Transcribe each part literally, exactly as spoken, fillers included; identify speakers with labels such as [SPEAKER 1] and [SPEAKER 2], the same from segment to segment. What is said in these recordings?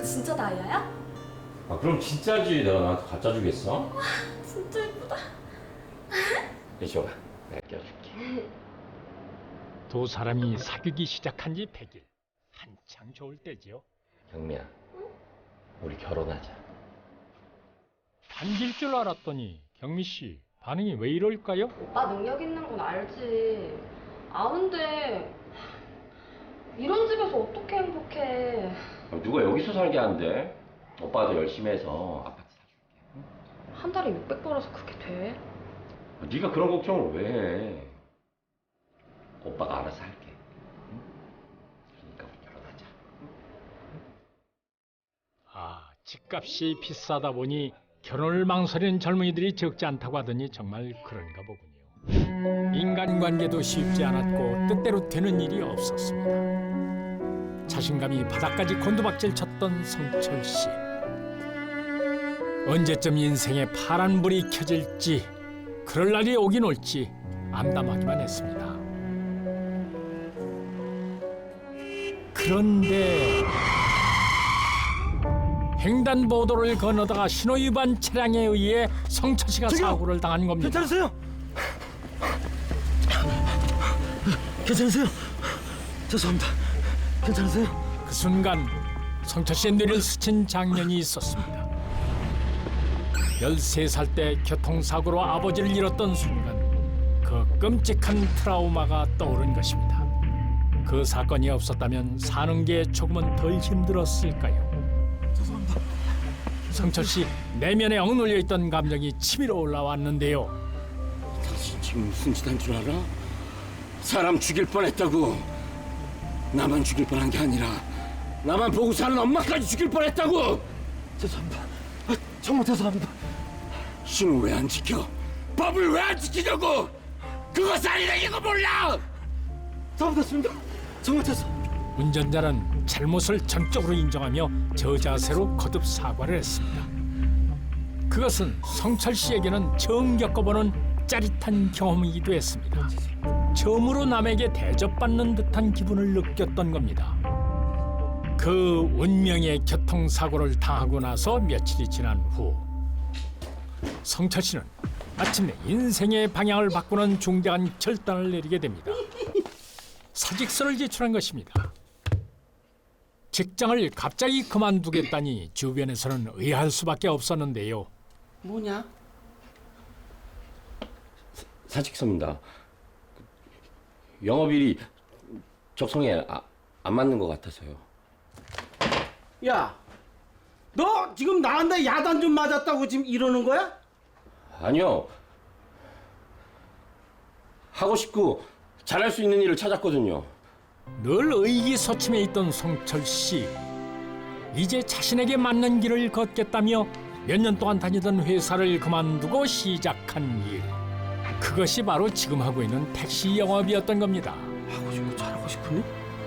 [SPEAKER 1] 진짜 다이아야?
[SPEAKER 2] 아 그럼 진짜지. 내가 나한테 가짜 주겠어?
[SPEAKER 1] 진짜 예쁘다.
[SPEAKER 2] 이리 줘봐. 내가 껴줄게.
[SPEAKER 3] 두 사람이 사귀기 시작한 지 백 일. 한창 좋을 때지요.
[SPEAKER 2] 경미야, 우리 결혼하자.
[SPEAKER 3] 반길 줄 알았더니 경미 씨 반응이 왜 이럴까요?
[SPEAKER 1] 오빠 능력 있는 건 알지. 아는데 이런 집에서 어떻게 행복해.
[SPEAKER 2] 아, 누가 여기서 살게 한대? 오빠도 열심히 해서 아파트 사줄게.
[SPEAKER 1] 한 달에 육백 벌어서 그게 돼?
[SPEAKER 2] 아, 네가 그런 걱정을 왜 해? 오빠가 알아서 할게. 응? 그러니까 우리 결혼하자.
[SPEAKER 3] 아, 집값이 비싸다 보니 결혼을 망설이는 젊은이들이 적지 않다고 하더니 정말 그런가 보군요. 인간관계도 쉽지 않았고 뜻대로 되는 일이 없었습니다. 자신감이 바닥까지 곤두박질 쳤던 성철 씨. 언제쯤 인생에 파란 불이 켜질지, 그럴 날이 오긴 올지 암담하기만 했습니다. 그런데 횡단보도를 건너다가 신호위반 차량에 의해 성철 씨가
[SPEAKER 4] 저기요!
[SPEAKER 3] 사고를 당한 겁니다.
[SPEAKER 4] 괜찮으세요? 괜찮으세요? 죄송합니다. 괜찮으세요?
[SPEAKER 3] 그 순간 성철 씨의 뇌를 스친 장면이 있었습니다. 열세 살 때 교통사고로 아버지를 잃었던 순간 그 끔찍한 트라우마가 떠오른 것입니다. 그 사건이 없었다면 사는 게 조금은 덜 힘들었을까요?
[SPEAKER 4] 죄송합니다.
[SPEAKER 3] 성철 씨 내면에 억눌려 있던 감정이 치밀어 올라왔는데요.
[SPEAKER 4] 당신 지금 무슨 짓 한 줄 알아? 사람 죽일 뻔했다고. 나만 죽일 뻔한 게 아니라 나만 보고 사는 엄마까지 죽일 뻔했다고. 죄송합니다. 아, 정말 죄송합니다. 신호 왜 안 지켜? 법을 왜 안 지키냐고? 그거 살인행인 거 몰라? 잘못했습니다. 정말 죄송합니다.
[SPEAKER 3] 운전자는 잘못을 전적으로 인정하며 저자세로 거듭 사과를 했습니다. 그것은 성철 씨에게는 처음 겪어보는 짜릿한 경험이기도 했습니다. 처음으로 남에게 대접받는 듯한 기분을 느꼈던 겁니다. 그 운명의 교통사고를 당하고 나서 며칠이 지난 후 성철 씨는 마침내 인생의 방향을 바꾸는 중대한 결단을 내리게 됩니다. 사직서를 제출한 것입니다. 직장을 갑자기 그만두겠다니 주변에서는 의아할 수밖에 없었는데요.
[SPEAKER 4] 뭐냐?
[SPEAKER 2] 사직서입니다. 영업일이 적성에 아, 안 맞는 것 같아서요.
[SPEAKER 4] 야, 너 지금 나한테 야단 좀 맞았다고 지금 이러는 거야?
[SPEAKER 2] 아니요. 하고 싶고 잘할 수 있는 일을 찾았거든요.
[SPEAKER 3] 늘 의기소침해 있던 성철 씨. 이제 자신에게 맞는 길을 걷겠다며 몇 년 동안 다니던 회사를 그만두고 시작한 일. 그것이 바로 지금 하고 있는 택시 영업이었던 겁니다.
[SPEAKER 4] 하고 싶고 잘하고 싶으니?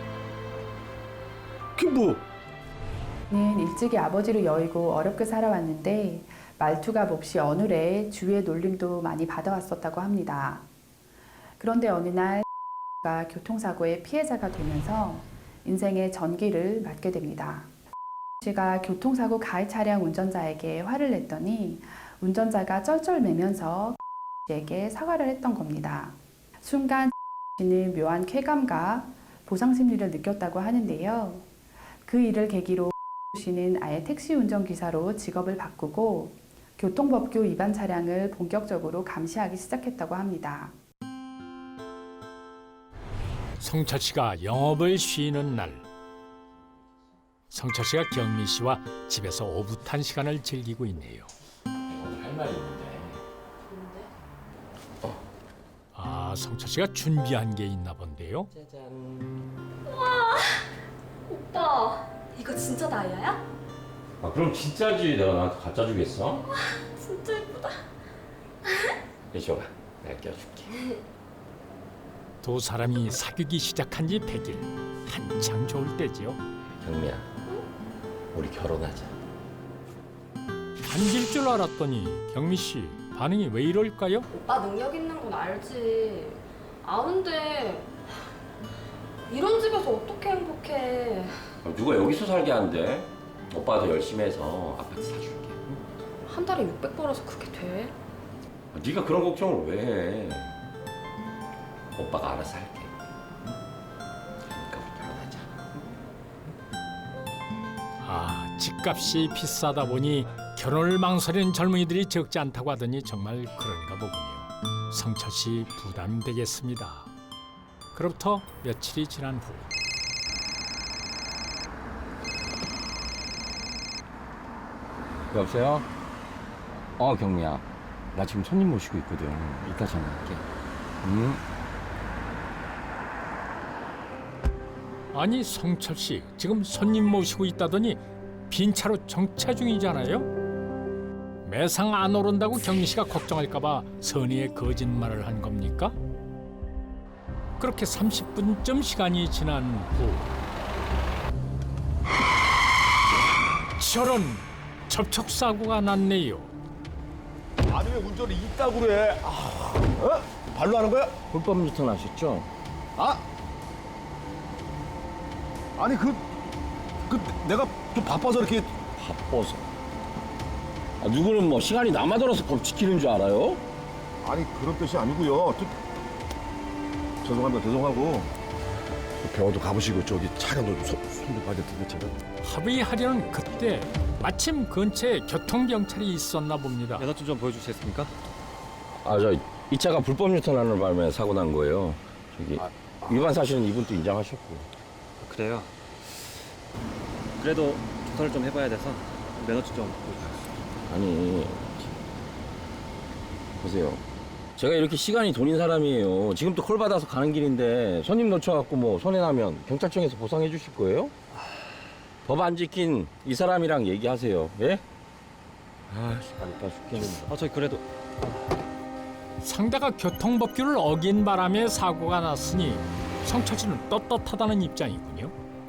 [SPEAKER 4] 그게 뭐?
[SPEAKER 5] 는 일찍이 아버지를 여의고 어렵게 살아왔는데 말투가 몹시 어눌해 주위의 놀림도 많이 받아왔었다고 합니다. 그런데 어느 날 가 교통사고의 피해자가 되면서 인생의 전기를 맞게 됩니다. 씨가 교통사고 가해 차량 운전자에게 화를 냈더니 운전자가 쩔쩔매면서 씨에게 사과를 했던 겁니다. 순간 씨는 묘한 쾌감과 보상 심리를 느꼈다고 하는데요. 그 일을 계기로 씨는 아예 택시 운전기사로 직업을 바꾸고 교통법규 위반 차량을 본격적으로 감시하기 시작했다고 합니다.
[SPEAKER 3] 성철 씨가 영업을 쉬는 날, 성철 씨가 경미 씨와 집에서 오붓한 시간을 즐기고 있네요.
[SPEAKER 2] 오늘 할 말이 있는데.
[SPEAKER 3] 아, 성철 씨가 준비한 게 있나 본데요.
[SPEAKER 2] 짜잔.
[SPEAKER 1] 오빠 이거 진짜 다이아야?
[SPEAKER 2] 아 그럼 진짜지. 내가 나한테 가짜 주겠어?
[SPEAKER 1] 진짜 예쁘다.
[SPEAKER 2] 이리 줘봐. 내가 껴줄게.
[SPEAKER 3] 두 사람이 사귀기 시작한 지 백 일. 한창 좋을 때지요.
[SPEAKER 2] 경미야, 우리 결혼하자.
[SPEAKER 3] 반길 줄 알았더니 경미 씨 반응이 왜 이럴까요?
[SPEAKER 1] 오빠 능력 있는 건 알지. 아는데 이런 집에서 어떻게 행복해.
[SPEAKER 2] 아, 누가 여기서 살게 한대? 오빠가 더 열심히 해서 아파트 사줄게.
[SPEAKER 1] 한 달에 육백 벌어서 그게 돼?
[SPEAKER 2] 아, 네가 그런 걱정을 왜 해? 오빠가 알아서 할게. 응? 그러니까 우리 결혼하자.
[SPEAKER 3] 아, 집값이 비싸다 보니 결혼을 망설이는 젊은이들이 적지 않다고 하더니 정말 그런가 보군요. 성철 씨 부담되겠습니다. 그로부터 며칠이 지난 후
[SPEAKER 4] 여보세요? 어, 경미야. 나 지금 손님 모시고 있거든. 이따 전화할게. 응?
[SPEAKER 3] 아니 성철 씨 지금 손님 모시고 있다더니 빈 차로 정차 중이잖아요. 매상 안 오른다고 경미 씨가 걱정할까봐 선의의 거짓말을 한 겁니까? 그렇게 삼십 분쯤 시간이 지난 후 저런 접촉 사고가 났네요.
[SPEAKER 6] 아니 왜 운전을 이따구 그래? 아, 어? 발로 하는 거야?
[SPEAKER 4] 불법 유턴 하셨죠?
[SPEAKER 6] 아? 아니 그, 그 내가 좀 바빠서 이렇게
[SPEAKER 4] 바빠서. 아, 누구는 뭐 시간이 남아돌아서 법 지키는 줄 알아요?
[SPEAKER 6] 아니 그런 뜻이 아니고요. 또, 죄송합니다. 죄송하고 병원도 가보시고 저기 차량도 좀 손, 손도 봐야 될 텐데 제가.
[SPEAKER 3] 합의하려는 그때 마침 근처에 교통경찰이 있었나 봅니다.
[SPEAKER 7] 면허증 좀 보여주시겠습니까?
[SPEAKER 4] 아, 저 이 차가 불법 유턴하는 바람에 사고 난 거예요. 저기 위반 사실은 이분도 인정하셨고.
[SPEAKER 7] 그래요. 그래도 조사를 좀 해봐야 돼서 면허증 좀 보여주세요.
[SPEAKER 4] 아니, 보세요. 제가 이렇게 시간이 돈인 사람이에요. 지금 또 콜 받아서 가는 길인데 손님 놓쳐갖고 뭐 손해나면 경찰청에서 보상해 주실 거예요? 법 안 지킨 이 사람이랑 얘기하세요. 예? 아, 빨리 죽겠는데.
[SPEAKER 7] 아, 저기 그래도
[SPEAKER 3] 상대가 교통법규를 어긴 바람에 사고가 났으니 성철 씨는 떳떳하다는 입장이군요.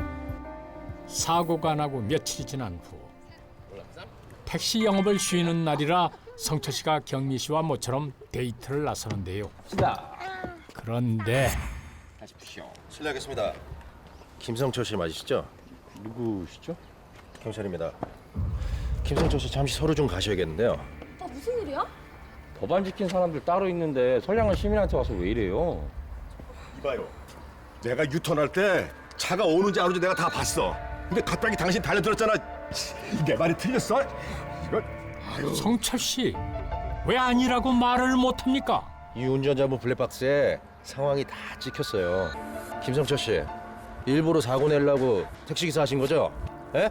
[SPEAKER 3] 사고가 나고 며칠이 지난 후 택시 영업을 쉬는 날이라 성철 씨가 경미 씨와 모처럼 데이트를 나서는데요. 그런데
[SPEAKER 6] 실례하겠습니다. 김성철 씨 맞으시죠?
[SPEAKER 4] 누구시죠?
[SPEAKER 6] 경찰입니다. 김성철 씨 잠시 서류 좀 가셔야겠는데요.
[SPEAKER 1] 아 무슨 일이야?
[SPEAKER 4] 법 안 지킨 사람들 따로 있는데 선량한 시민한테 와서 왜 이래요?
[SPEAKER 6] 이봐요. 내가 유턴할 때 차가 오는지 안 오는지 내가 다 봤어. 근데 갑자기 당신 달려들었잖아. 내 말이 틀렸어? 이거
[SPEAKER 3] 성철 씨 왜 아니라고 말을 못합니까?
[SPEAKER 6] 이 운전자분 블랙박스에 상황이 다 찍혔어요. 김성철 씨, 일부러 사고 내려고 택시기사 하신 거죠? 예?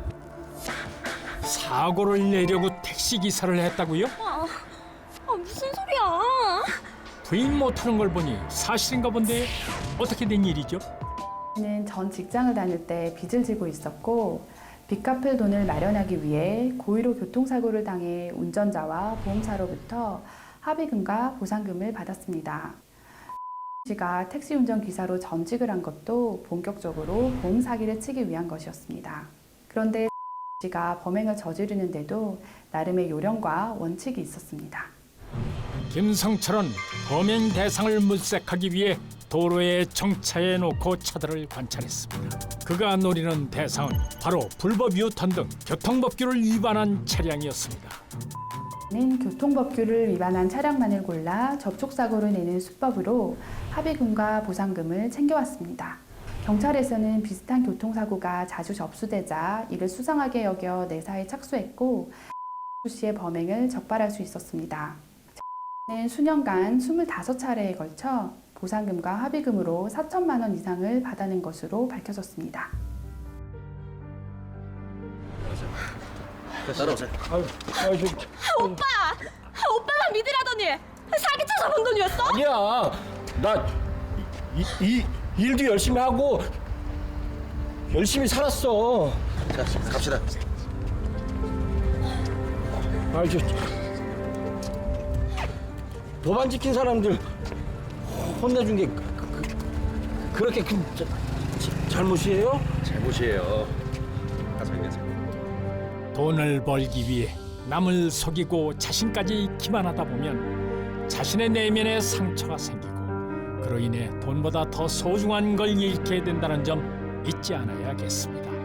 [SPEAKER 3] 사고를 내려고 택시기사를 했다고요?
[SPEAKER 1] 아, 아 무슨 소리야?
[SPEAKER 3] 부인 못하는 걸 보니 사실인가 본데 어떻게 된 일이죠?
[SPEAKER 5] 는 전 직장을 다닐 때 빚을 지고 있었고 빚 갚을 돈을 마련하기 위해 고의로 교통사고를 당해 운전자와 보험사로부터 합의금과 보상금을 받았습니다. 씨가 택시 운전 기사로 전직을 한 것도 본격적으로 보험 사기를 치기 위한 것이었습니다. 그런데 씨가 범행을 저지르는데도 나름의 요령과 원칙이 있었습니다.
[SPEAKER 3] 김성철은 범행 대상을 물색하기 위해 도로에 정차해 놓고 차들을 관찰했습니다. 그가 노리는 대상은 바로 불법 유턴 등 교통법규를 위반한 차량이었습니다.
[SPEAKER 5] 는 교통법규를 위반한 차량만을 골라 접촉사고를 내는 수법으로 합의금과 보상금을 챙겨왔습니다. 경찰에서는 비슷한 교통사고가 자주 접수되자 이를 수상하게 여겨 내사에 착수했고 씨의 범행을 적발할 수 있었습니다. 는 수년간 스물다섯 차례에 걸쳐 보상금과 합의금으로 사천만 원 이상을 받아낸 것으로 밝혀졌습니다.
[SPEAKER 7] 따라오세요.
[SPEAKER 1] 오빠! 오빠만 믿으라더니 사기쳐서 번 돈이었어?
[SPEAKER 4] 아니야. 나 이, 이, 이 일도 열심히 하고 열심히 살았어.
[SPEAKER 6] 자, 갑시다.
[SPEAKER 4] 아, 저 법 안 지킨 사람들 혼내준 게 그, 그, 그렇게 큰 자, 자, 잘못이에요?
[SPEAKER 6] 잘못이에요. 가서 얘기하세요.
[SPEAKER 3] 돈을 벌기 위해 남을 속이고 자신까지 기만하다 보면 자신의 내면에 상처가 생기고 그로 인해 돈보다 더 소중한 걸 잃게 된다는 점 잊지 않아야겠습니다.